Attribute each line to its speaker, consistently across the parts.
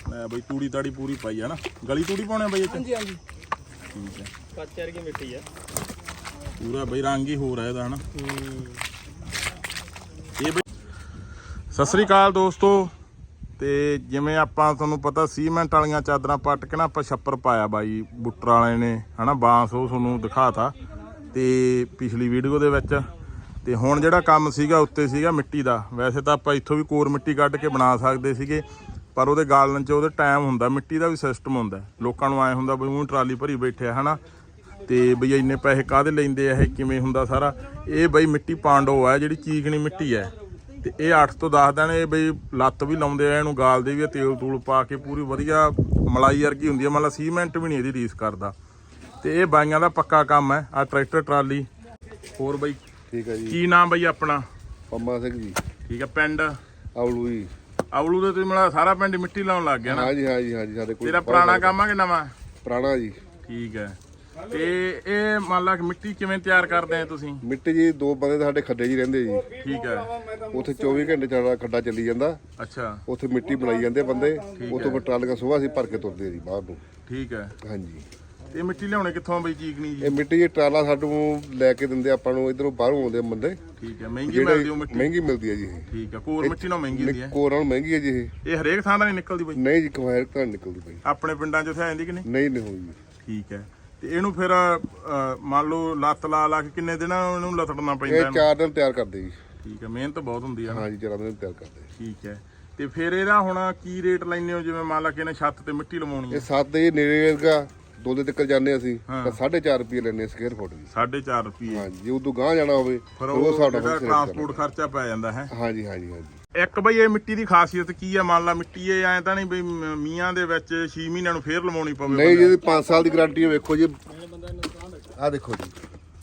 Speaker 1: ਲੈ ਬਈ ਤੂੜੀ ਤਾੜੀ ਪੂਰੀ ਪਾਈ ਹੈ ਨਾ। ਗਲੀ ਤੂੜੀ ਪਾਉਣੇ ਬਈ ਇੱਥੇ?
Speaker 2: ਹਾਂਜੀ ਹਾਂਜੀ
Speaker 1: ਠੀਕ ਹੈ।
Speaker 2: ਕੱਚ ਵਰਗੀ ਮਿੱਟੀ ਆ
Speaker 1: ਪੂਰਾ ਬਈ ਰੰਗ ਹੀ ਹੋ ਰਿਹਾ ਇਹਦਾ ਹਨਾ। ਇਹ ਬਈ ਸਤਿ ਸ੍ਰੀ ਅਕਾਲ ਦੋਸਤੋ। ਤੇ ਜਿਵੇਂ ਆਪਾਂ ਤੁਹਾਨੂੰ ਪਤਾ ਸੀਮੈਂਟ ਵਾਲੀਆਂ ਚਾਦਰਾਂ ਪੱਟ ਕੇ ਨਾ ਆਪਾਂ ਛੱਪਰ ਪਾਇਆ ਬਾਈ ਬੁੱਟਰ ਵਾਲੇ ਨੇ ਹਨਾ। ਬਾਂਸ ਉਹ ਤੁਹਾਨੂੰ ਦਿਖਾਤਾ ਤੇ ਪਿਛਲੀ ਵੀਡੀਓ ਦੇ ਵਿੱਚ। ਤੇ ਹੁਣ ਜਿਹੜਾ ਕੰਮ ਸੀਗਾ ਉੱਤੇ ਸੀਗਾ ਮਿੱਟੀ ਦਾ। ਵੈਸੇ ਤਾਂ ਆਪਾਂ ਇੱਥੋਂ ਵੀ ਕੋਰ ਮਿੱਟੀ ਕੱਢ ਕੇ ਬਣਾ ਸਕਦੇ ਸੀਗੇ, ਪਰ ਉਹਦੇ ਗਾਲਣ 'ਚ ਉਹਦੇ ਟਾਈਮ ਹੁੰਦਾ। ਮਿੱਟੀ ਦਾ ਵੀ ਸਿਸਟਮ ਹੁੰਦਾ, ਲੋਕਾਂ ਨੂੰ ਐਂ ਹੁੰਦਾ ਬਈ ਉਹ ਟਰਾਲੀ ਭਰੀ ਬੈਠਿਆ ਹਨਾ। ਤੇ ਬਈ ਇੰਨੇ ਪੈਸੇ ਕਾਹਦੇ ਲੈਂਦੇ ਆ, ਇਹ ਕਿਵੇਂ ਹੁੰਦਾ ਸਾਰਾ। ਇਹ ਬਈ ਮਿੱਟੀ ਪਾਂਡੋ ਆ, ਜਿਹੜੀ ਚੀਕਣੀ ਮਿੱਟੀ ਹੈ। ਤੇ ਇਹ 8 ਤੋਂ 10 ਦਿਨ ਇਹ ਬਈ ਲੱਤ ਵੀ ਲਾਉਂਦੇ ਆ, ਇਹਨੂੰ ਗਾਲਦੇ ਵੀ ਆ ਤੇਲ ਤੂਲ ਪਾ ਕੇ। ਪੂਰੀ ਵਧੀਆ ਮਲਾਈ ਵਰਗੀ ਹੁੰਦੀ ਹੈ, ਮਤਲਬ ਸੀਮੈਂਟ ਵੀ ਨਹੀਂ ਇਹਦੀ ਰੀਸ ਕਰਦਾ। ਤੇ ਇਹ ਬਾਈਆਂ ਦਾ ਪੱਕਾ ਕੰਮ ਹੈ। ਆ ਟਰੈਕਟਰ ਟਰਾਲੀ। ਹੋਰ ਬਈ
Speaker 3: ਠੀਕ ਹੈ ਜੀ।
Speaker 1: ਕੀ ਨਾਮ ਬਈ ਆਪਣਾ?
Speaker 3: ਪੰਮਾ ਸਿੰਘ ਜੀ।
Speaker 1: ਠੀਕ ਹੈ। ਪਿੰਡ
Speaker 3: ਆਵਲੂ ਜੀ।
Speaker 1: ਆਵਲੂ ਦੇ ਤੁਸੀਂ ਮਤਲਬ ਸਾਰਾ ਪਿੰਡ ਮਿੱਟੀ ਲਾਉਣ ਲੱਗ ਗਿਆ ਨਾ?
Speaker 3: ਹਾਂਜੀ ਹਾਂਜੀ ਹਾਂਜੀ। ਸਾਡੇ ਕੋਲ
Speaker 1: ਤੇਰਾ ਪੁਰਾਣਾ ਕੰਮ ਆ ਕਿ ਨਵਾਂ?
Speaker 3: ਪੁਰਾਣਾ ਜੀ।
Speaker 1: ਠੀਕ ਹੈ। ਤੇ ਇਹ ਮੰਨ ਲਾ ਕਿ ਮਿੱਟੀ ਕਿਵੇਂ ਤਿਆਰ ਕਰਦੇ ਆ ਤੁਸੀਂ?
Speaker 3: ਮਿੱਟੀ ਜੀ ਦੋ ਬੰਦੇ ਸਾਡੇ ਖੱਡੇ ਜੀ ਰਹਿੰਦੇ ਜੀ।
Speaker 1: ਠੀਕ ਹੈ।
Speaker 3: ਉੱਥੇ 24 ਘੰਟੇ ਚੱਲਦਾ ਖੱਡਾ ਚੱਲੀ ਜਾਂਦਾ।
Speaker 1: ਅੱਛਾ।
Speaker 3: ਉੱਥੇ ਮਿੱਟੀ ਬਣਾਈ ਜਾਂਦੇ ਬੰਦੇ, ਉੱਥੋਂ ਫਿਰ ਟਰਾਲੀਆਂ ਸੁਬਾਹ ਅਸੀਂ ਭਰ ਕੇ ਤੁਰਦੇ ਆ ਜੀ ਬਾਹਰ ਨੂੰ।
Speaker 1: ਠੀਕ ਹੈ।
Speaker 3: ਹਾਂਜੀ।
Speaker 1: ਤੇ ਮਿੱਟੀ ਲਿਆਉਣੇ ਕਿੱਥੋਂ ਬਈ ਚੀਕਣੀ ਜੀ?
Speaker 3: ਇਹ ਮਿੱਟੀ ਜੀ ਟਰਾਲਾ ਸਾਨੂੰ ਲੈ ਕੇ ਦਿੰਦੇ ਆਪਾਂ ਨੂੰ, ਇਧਰੋਂ ਬਾਹਰੋਂ ਆਉਂਦੇ ਬੰਦੇ।
Speaker 1: ਠੀਕ ਹੈ। ਮਹਿੰਗੀ ਮਿਲਦੀ ਉਹ ਮਿੱਟੀ?
Speaker 3: ਮਹਿੰਗੀ ਮਿਲਦੀ ਹੈ ਜੀ ਇਹ।
Speaker 1: ਠੀਕ ਹੈ। ਕੋਰ ਮਿੱਟੀ ਨਾਲ ਮਹਿੰਗੀ ਹੁੰਦੀ ਹੈ?
Speaker 3: ਕੋਰ ਨਾਲ ਮਹਿੰਗੀ ਹੈ ਜੀ ਇਹ।
Speaker 1: ਇਹ ਹਰੇਕ ਥਾਂ ਦਾ ਨਹੀਂ ਨਿਕਲਦੀ ਬਈ?
Speaker 3: ਨਹੀਂ ਜੀ, ਕਵਾਇਰ ਤਾਂ ਨਿਕਲਦੀ ਪਈ।
Speaker 1: ਆਪਣੇ ਪਿੰਡਾਂ 'ਚ ਉੱਥੇ ਆ ਜਾਂਦੀ ਕਿ ਨਹੀਂ?
Speaker 3: ਨਹੀਂ ਨਹੀਂ ਹੋਈ।
Speaker 1: ਠੀਕ ਹੈ। ਤੇ ਇਹਨੂੰ ਫਿਰ ਮੰਨ ਲਓ ਲੱਤ ਲਾ ਕੇ ਕਿੰਨੇ ਦਿਨ ਇਹਨੂੰ ਲਤੜਨਾ ਪੈਂਦਾ?
Speaker 3: ਇਹ 4 ਦਿਨ ਤਿਆਰ ਕਰਦੇ ਜੀ।
Speaker 1: ਠੀਕ ਹੈ। ਮਿਹਨਤ ਬਹੁਤ ਹੁੰਦੀ ਹੈ।
Speaker 3: ਹਾਂਜੀ 4 ਦਿਨ ਤਿਆਰ ਕਰਦੇ।
Speaker 1: ਠੀਕ ਹੈ। ਤੇ ਫਿਰ ਇਹਦਾ ਹੁਣ ਕੀ ਰੇਟ ਲੈਂਦੇ ਹੋ? ਜਿਵੇਂ ਮੰਨ ਲਾ ਕਿ ਇਹਨੇ ਛੱਤ ਤੇ ਮਿੱਟੀ ਲਵਾਉਣੀ ਹੈ।
Speaker 3: ਇਹ 7 ਦੇ ਨੇੜੇ ਵਰਗਾ 2 ਦੇ ਤੱਕ ਜਾਂਦੇ ਅਸੀਂ ਤਾਂ 4.5 ਰੁਪਏ ਲੈਣੇ ਸਕੁਅਰ ਫੁੱਟ ਦੀ।
Speaker 1: 4.5 ਰੁਪਏ?
Speaker 3: ਹਾਂਜੀ। ਜੇ ਉਦੋਂ ਗਾਂ ਜਾਣਾ ਹੋਵੇ
Speaker 1: ਫਿਰ ਉਹ ਸਾਡਾ ਟਰਾਂਸਪੋਰਟ ਖਰਚਾ ਪੈ ਜਾਂਦਾ ਹੈ।
Speaker 3: ਹਾਂਜੀ ਹਾਂਜੀ ਹਾਂਜੀ।
Speaker 1: ਇੱਕ ਬਈ ਇਹ ਮਿੱਟੀ ਦੀ ਖਾਸੀਅਤ ਕੀ ਹੈ? ਮੰਨ ਲਾ ਮਿੱਟੀ ਇਹ ਐਂ ਤਾਂ ਨਹੀਂ ਬਈ ਮੀਆਂ ਦੇ ਵਿੱਚ 6 ਮਹੀਨਿਆਂ ਨੂੰ ਫੇਰ ਲਵਾਉਣੀ ਪਵੇ?
Speaker 3: ਨਹੀਂ ਜੀ, 5 ਸਾਲ ਦੀ ਗਾਰੰਟੀ ਹੈ। ਵੇਖੋ ਜੀ, ਆਹ ਦੇਖੋ ਜੀ।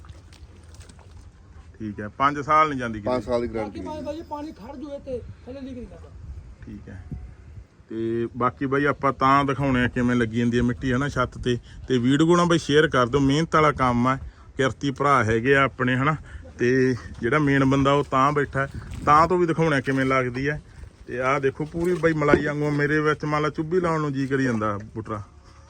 Speaker 1: ਠੀਕ ਹੈ। 5 ਸਾਲ ਨਹੀਂ ਜਾਂਦੀ?
Speaker 3: 5 ਸਾਲ ਦੀ ਗਾਰੰਟੀ ਹੈ।
Speaker 2: ਪਾਣੀ ਖੜ ਜੂਏ ਤੇ ਥੱਲੇ ਲੀਕ ਨਹੀਂ ਕਰਦਾ।
Speaker 1: ਠੀਕ ਹੈ। ਤੇ ਬਾਕੀ ਬਈ ਆਪਾਂ ਤਾਂ ਦਿਖਾਉਣੇ ਆ ਕਿਵੇਂ ਲੱਗੀ ਜਾਂਦੀ ਹੈ ਮਿੱਟੀ ਹੈ ਨਾ ਛੱਤ ਤੇ। ਤੇ ਵੀਡੀਓ ਨਾ ਬਈ ਸ਼ੇਅਰ ਕਰ ਦਿਓ। ਮਿਹਨਤ ਵਾਲਾ ਕੰਮ ਹੈ, ਕਿਰਤੀ ਭਰਾ ਹੈਗੇ ਆ ਆਪਣੇ ਹਨਾ। ਤੇ ਜਿਹੜਾ ਮੇਨ ਬੰਦਾ ਉਹ ਤਾਂ ਬੈਠਾ, ਤਾਂ ਤੋਂ ਵੀ ਦਿਖਾਉਣਾ ਕਿਵੇਂ ਲੱਗਦੀ ਹੈ। ਤੇ ਆਹ ਦੇਖੋ ਪੂਰੀ ਬਈ ਮਲਾਈ ਵਾਂਗੂ। ਮੇਰੇ ਵਿੱਚ ਮੰਨ ਲਾ ਚੁੱਭੀ ਲਾਉਣ ਨੂੰ ਜੀ ਕਰੀ ਜਾਂਦਾ ਬੁੱਟਰਾ।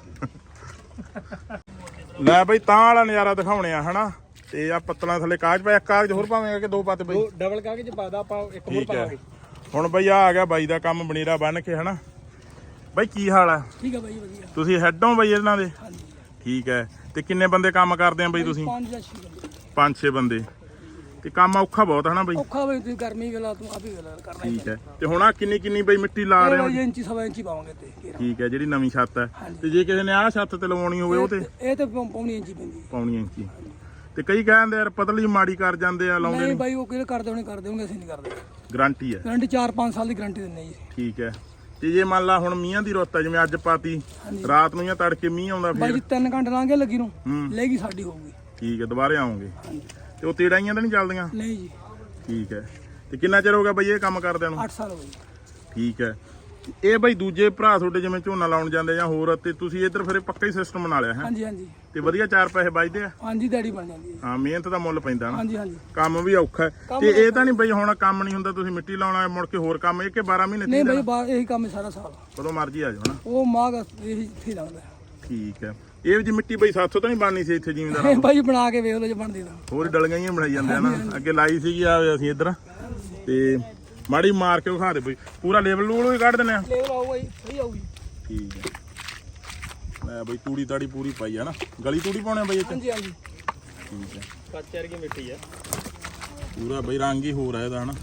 Speaker 1: ਲੈ ਬਈ ਤਾਂ ਵਾਲਾ ਨਜ਼ਾਰਾ ਦਿਖਾਉਣੇ ਆ ਹਨਾ। ਤੇ ਆ ਪੱਤਲਾਂ ਥੱਲੇ ਕਾਗਜ਼ ਪਿਆ। ਕਾਗਜ਼ ਹੋਰ ਪਾਵੇਂਗਾ ਕਿ 2 ਪਾਤੇ ਬਈ?
Speaker 2: ਡਬਲ ਕਾਗਜ਼ ਪਾਦਾ ਆਪਾਂ, ਇੱਕ ਹੋਰ ਪਾਵਾਂਗੇ।
Speaker 1: ਹੁਣ ਬਈ ਆ ਗਿਆ ਬਾਈ ਦਾ ਕੰਮ ਬਨੇਰਾ ਬੰਨ ਕੇ ਹਨਾ। ਬਾਈ ਕੀ ਹਾਲ ਆ?
Speaker 2: ਠੀਕ ਹੈ ਬਾਈ, ਵਧੀਆ।
Speaker 1: ਤੁਸੀਂ ਹੈਡ ਹੋ ਬਈ ਇਹਨਾਂ ਦੇ?
Speaker 2: ਹਾਂਜੀ।
Speaker 1: ਠੀਕ ਹੈ। ਤੇ ਕਿੰਨੇ ਬੰਦੇ ਕੰਮ ਕਰਦੇ ਆ ਬਈ ਤੁਸੀਂ?
Speaker 2: 5 ਜਾਂ 6 ਬੰਦੇ।
Speaker 1: 5-6 ਬੰਦੇ। ਤੇ ਕੰਮ ਔਖਾ ਬਹੁਤ ਹਨਾ ਬਈ?
Speaker 2: ਔਖਾ ਬਈ, ਤੁਸੀਂ ਗਰਮੀ ਵੇਲਾ ਤੂੰ ਆਪੀ ਵੇਲਾ ਕਰਨਾ।
Speaker 1: ਠੀਕ ਹੈ। ਤੇ ਹੁਣ ਆ ਕਿੰਨੀ ਬਈ ਮਿੱਟੀ ਲਾ ਰਹੇ ਹੋ?
Speaker 2: 1 ਇੰਚ 1.5 ਇੰਚ ਪਾਵਾਂਗੇ ਤੇ।
Speaker 1: ਠੀਕ ਹੈ। ਜਿਹੜੀ ਨਵੀਂ ਛੱਤ ਹੈ। ਤੇ ਜੇ ਕਿਸੇ ਨੇ ਆਹ ਛੱਤ ਤੇ ਲਵਾਉਣੀ ਹੋਵੇ ਉਹ ਤੇ?
Speaker 2: ਇਹ ਤੇ ਪੌਣੀ ਇੰਚ ਪੈਂਦੀ।
Speaker 1: ਪੌਣੀ ਇੰਚੀ। ਤੇ ਕਈ ਕਹਿੰਦੇ ਯਾਰ ਪਤਲੀ ਮਾੜੀ ਕਰ ਜਾਂਦੇ ਆ, ਲਾਉਂਦੇ
Speaker 2: ਨਹੀਂ
Speaker 1: ਨਹੀਂ?
Speaker 2: ਬਾਈ, ਉਹ ਕਿਹੜੇ ਕਰਦੇ ਹੋਣੇ ਅਸੀਂ ਨਹੀਂ ਕਰਦੇ।
Speaker 1: ਗਾਰੰਟੀ ਹੈ?
Speaker 2: ਗਾਰੰਟੀ 4-5 ਸਾਲ ਦੀ ਗਾਰੰਟੀ ਦਿੰਦੇ ਜੀ।
Speaker 1: ਠੀਕ ਹੈ। ਤੇ ਜੇ ਮੰਨ ਲਾ ਹੁਣ ਮੀਂਹਾਂ ਦੀ ਰੁੱਤ ਹੈ, ਜਿਵੇਂ ਅੱਜ ਪਾਤੀ, ਰਾਤ ਨੂੰ ਜਾਂ ਤੜਕੇ ਮੀਂਹ ਆਉਂਦਾ
Speaker 2: ਬਾਈ
Speaker 1: ਫਿਰ?
Speaker 2: ਜੀ 3 ਘੰਟੇ ਲਾਂਗੇ ਲੱਗੀ ਨੂੰ ਲੈਗੀ ਸਾਡੀ ਹੋਊਗੀ।
Speaker 1: ਠੀਕ ਹੈ। ਦੁਬਾਰੇ ਆਉਂਗੇ? ਤੇ ਉਹ ਤੇੜਾਈਆਂ ਤਾਂ ਨਹੀਂ ਚੱਲਦੀਆਂ?
Speaker 2: ਨਹੀਂ ਜੀ।
Speaker 1: ਠੀਕ ਹੈ। ਤੇ ਕਿੰਨਾ ਚਿਰ ਹੋ ਗਿਆ ਬਈ ਇਹ ਕੰਮ ਕਰਦਿਆਂ ਨੂੰ?
Speaker 2: 8 ਸਾਲ ਹੋ ਗਏ।
Speaker 1: ਠੀਕ ਹੈ। ਇਹ ਬਈ ਦੂਜੇ ਭਰਾ ਤੁਹਾਡੇ ਜਿਵੇਂ ਝੋਨਾ ਲਾਉਣ ਜਾਂਦੇ ਜਾਂ ਹੋਰ, ਤੇ ਤੁਸੀਂ ਇੱਧਰ ਫਿਰ ਪੱਕਾ ਹੀ ਸਿਸਟਮ ਬਣਾ ਲਿਆ ਹੈ?
Speaker 2: ਹਾਂਜੀ ਹਾਂਜੀ।
Speaker 1: ਤੇ ਵਧੀਆ 4 ਪੈਸੇ ਬਚਦੇ ਆ?
Speaker 2: ਹਾਂਜੀ, ਦਿਹਾੜੀ ਬਣ ਜਾਂਦੀ ਹੈ।
Speaker 1: ਹਾਂ, ਮਿਹਨਤ ਦਾ ਮੁੱਲ ਪੈਂਦਾ ਨਾ।
Speaker 2: ਹਾਂਜੀ ਹਾਂਜੀ।
Speaker 1: ਕੰਮ ਵੀ ਔਖਾ ਹੈ। ਤੇ ਇਹ ਤਾਂ ਨਹੀਂ ਬਈ ਹੁਣ ਕੰਮ ਨਹੀਂ ਹੁੰਦਾ, ਤੁਸੀਂ ਮਿੱਟੀ ਲਾਉਣਾ ਮੁੜ ਕੇ ਹੋਰ ਕੰਮ, ਇਹ ਕਿ 12 ਮਹੀਨੇ?
Speaker 2: ਨਹੀਂ ਬਾਈ, ਬਾਹਰ ਇਹੀ ਕੰਮ ਹੈ ਸਾਰਾ ਸਾਲ।
Speaker 1: ਕਦੋਂ ਮਰਜੀ ਆ ਜਾਓ ਨਾ।
Speaker 2: ਉਹ ਮਾਗ ਇਹੀ ਇੱਥੇ ਲੱਗਦਾ।
Speaker 1: ਠੀਕ ਹੈ। ਇਹ ਜੀ ਮਿੱਟੀ ਬਈ 700 ਤਾਂ ਨਹੀਂ ਬਣਨੀ ਸੀ ਇੱਥੇ ਜ਼ਿਮੀਂਦਾਰ?
Speaker 2: ਬਾਈ ਬਣਾ ਕੇ ਵੇਖ ਲਓ ਜੇ ਬਣਦੀ ਤਾਂ।
Speaker 1: ਹੋਰ ਡਲੀਆਂ ਹੀ ਬਣਾਈ ਜਾਂਦੇ ਆ ਨਾ। ਅੱਗੇ ਲਾਈ ਸੀਗੀ ਆ ਅਸੀਂ ਇੱਧਰ। ਤੇ ਮਾੜੀ ਮਾਰ ਕੇ ਵਿਖਾ ਦੇ ਬਈ। ਪੂਰਾ ਲੇਬਲ ਲੂਲ ਵੀ ਕੱਢ ਦਿੰਦੇ ਆ?
Speaker 2: ਲੇਬਲ ਆਊਗਾ ਜੀ, ਸਹੀ ਆਊਗੀ।
Speaker 1: ਠੀਕ ਹੈ। ਲੈ ਬਈ ਤੂੜੀ ਤਾੜੀ ਪੂਰੀ ਪਾਈ ਆ ਨਾ। ਗਲੀ ਤੂੜੀ ਪਾਉਣੇ ਬਈ ਇੱਥੇ?
Speaker 2: ਹਾਂਜੀ ਹਾਂਜੀ।
Speaker 1: ਠੀਕ ਹੈ।
Speaker 2: ਕੱਚ ਵਰਗੀ ਮਿੱਟੀ ਆ
Speaker 1: ਪੂਰਾ ਬਈ ਰੰਗ ਹੀ ਹੋ ਰਿਹਾ ਇਹਦਾ ਹਨਾ।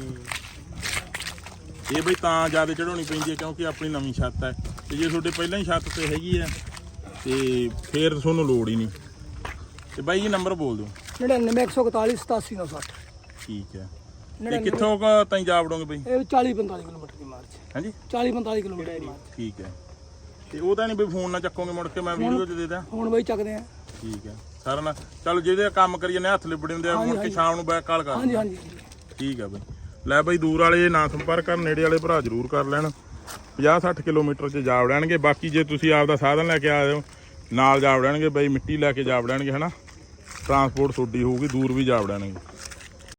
Speaker 1: ਇਹ ਬਈ ਤਾਂ ਜ਼ਿਆਦਾ ਚੜਾਉਣੀ ਪੈਂਦੀ ਹੈ ਕਿਉਂਕਿ ਆਪਣੀ ਨਵੀਂ ਛੱਤ ਹੈ। ਤੇ ਜੇ ਤੁਹਾਡੇ ਪਹਿਲਾਂ ਹੀ ਛੱਤ ਤੇ ਹੈਗੀ ਹੈ ਤੇ ਫੇਰ ਤੁਹਾਨੂੰ ਲੋੜ ਹੀ ਨਹੀਂ। ਤੇ ਬਾਈ ਜੀ ਨੰਬਰ ਬੋਲ ਦਿਓ।
Speaker 2: 99 141 87 960।
Speaker 1: ਠੀਕ ਹੈ। ਤੇ ਕਿੱਥੋਂ ਤਾਈਂ ਜਾ ਵੜੋਗੇ ਬਈ?
Speaker 2: ਇਹ 40-45 ਕਿਲੋਮੀਟਰ ਦੀ ਮਾਰਚ।
Speaker 1: ਹਾਂਜੀ
Speaker 2: 40-45 ਕਿਲੋਮੀਟਰ ਦੀ ਮਾਰਚ।
Speaker 1: ਠੀਕ ਹੈ। ਤੇ ਉਹ ਤਾਂ ਨਹੀਂ ਬਈ ਫੋਨ ਨਾਲ ਚੱਕੋਗੇ ਮੁੜ ਕੇ? ਮੈਂ ਵੀਡੀਓ 'ਚ ਦੇ ਦਾਂ?
Speaker 2: ਹੁਣ ਬਾਈ ਚੱਕਦੇ ਆ।
Speaker 1: ਠੀਕ ਹੈ। ਸਾਰਾ ਨਾ ਚਲੋ ਜਿਹਦੇ ਕੰਮ ਕਰੀ ਜਾਂਦੇ ਹੱਥ ਲਿਬੜੇ ਹੁੰਦੇ ਆ, ਮੁੜ ਕੇ ਸ਼ਾਮ ਨੂੰ ਬੈਕ ਕਾਲ ਕਰ।
Speaker 2: ਹਾਂਜੀ ਹਾਂਜੀ।
Speaker 1: ਠੀਕ ਹੈ ਬਈ। ਲੈ ਬਈ ਦੂਰ ਵਾਲੇ ਨਾ ਸੰਪਰਕ ਕਰਨ, ਨੇੜੇ ਵਾਲੇ ਭਰਾ ਜ਼ਰੂਰ ਕਰ ਲੈਣ। 50-60 ਕਿਲੋਮੀਟਰ 'ਚ ਜਾ ਵੜਨਗੇ। ਬਾਕੀ ਜੇ ਤੁਸੀਂ ਆਪਦਾ ਸਾਧਨ ਲੈ ਕੇ ਆਏ ਹੋ ਨਾਲ ਜਾ ਵੜਨਗੇ ਬਈ, ਮਿੱਟੀ ਲੈ ਕੇ ਜਾ ਵੜਨਗੇ ਹਨਾ। ਟਰਾਂਸਪੋਰਟ ਤੁਹਾਡੀ ਹੋਊਗੀ, ਦੂਰ ਵੀ ਜਾ ਵੜਨਗੇ।